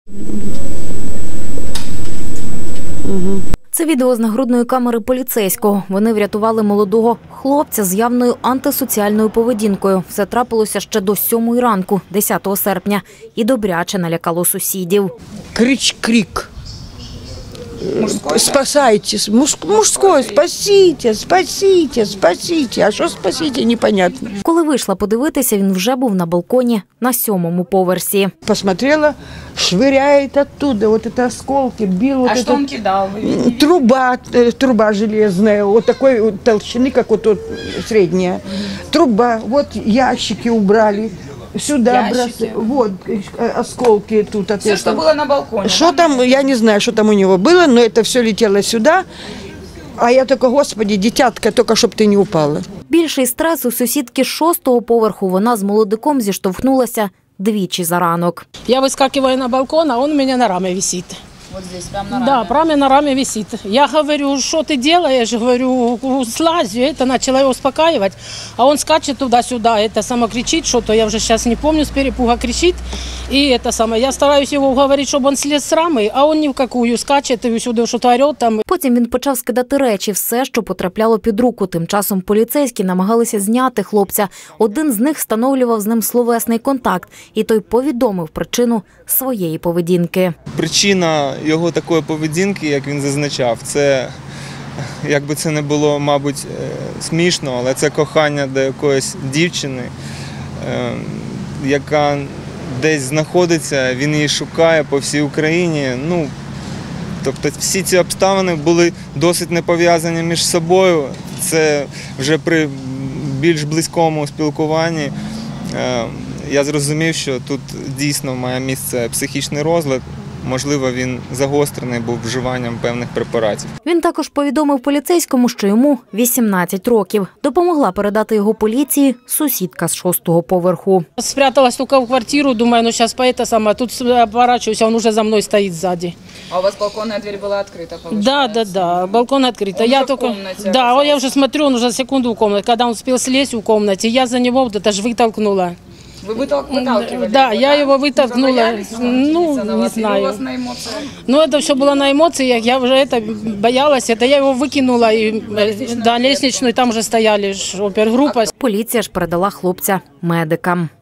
Це відео з нагрудної камери поліцейського. Вони врятували молодого хлопця з явною антисоціальною поведінкою. Все трапилося ще до 7 ранку, 10 серпня. І добряче налякало сусідів. Крик. Спасайтесь. Мужской, спасите, спасите, спасите. А що спасите, непонятно. Коли вийшла подивитися, він вже був на балконі на 7-му поверсі. Посмотрела, швыряет оттуда, вот это осколки, бил. А что он кидал? Труба железная, вот такой вот толщины, как вот тут средняя. Труба, вот ящики убрали. Сюда бросали, вот осколки тут. Все, что было на балконе. Что там, я не знаю, что там у него было, но это все летело сюда. А я только, Господи, дитятка, только щоб ти не упала. Більший стрес у сусідки з 6-го поверху. Вона з молодиком зіштовхнулася двічі за ранок. Я выскакиваю на балкон, а он у меня на раме висит. Вот здесь, прямо на раме? Да, прямо на раме висит. Я говорю, что ты делаешь? Говорю, слазь. Это начала его успокаивать. А он скачет туда-сюда, это само кричит что-то, я уже сейчас не помню, с перепуга кричит. И это самое, я стараюсь его уговорить, чтобы он слез с рамы, а он ни в какую скачет и сюди что-то орет там. Потім він почав скидати речі, все, що потрапляло під руку. Тим часом поліцейські намагалися зняти хлопця. Один з них встановлював з ним словесний контакт, і той повідомив причину своєї поведінки. Причина його такої поведінки, як він зазначав, це, якби це не було, мабуть, смішно, але це кохання до якоїсь дівчини, яка десь знаходиться, він її шукає по всій Україні. Тобто всі ці обставини були досить не пов'язані між собою. Це вже при більш близькому спілкуванні я зрозумів, що тут дійсно має місце психічний розлад. Можливо, він загострений був вживанням певних препаратів. Він також повідомив поліцейському, що йому 18 років. Допомогла передати його поліції сусідка з 6-го поверху. Спряталась только в квартиру, думаю, ну сейчас поэта сама. Тут оборачиваюсь, он уже за мной стоит сзади. А у вас балконная дверь была открыта, получается? Да, балкон открыт. Он в комнате Да, я уже смотрю, он уже секунду в комнате. Когда он успел слезть в комнате, я за него вот это же вытолкнула. Вы выталкивали? Да, я его вытолкнула. Не знаю. У вас на эмоциях? Ну, это все было на эмоциях, я уже боялась, я его выкинула, и лестничную, там уже стояли опергруппа. Поліція ж передала хлопця медикам.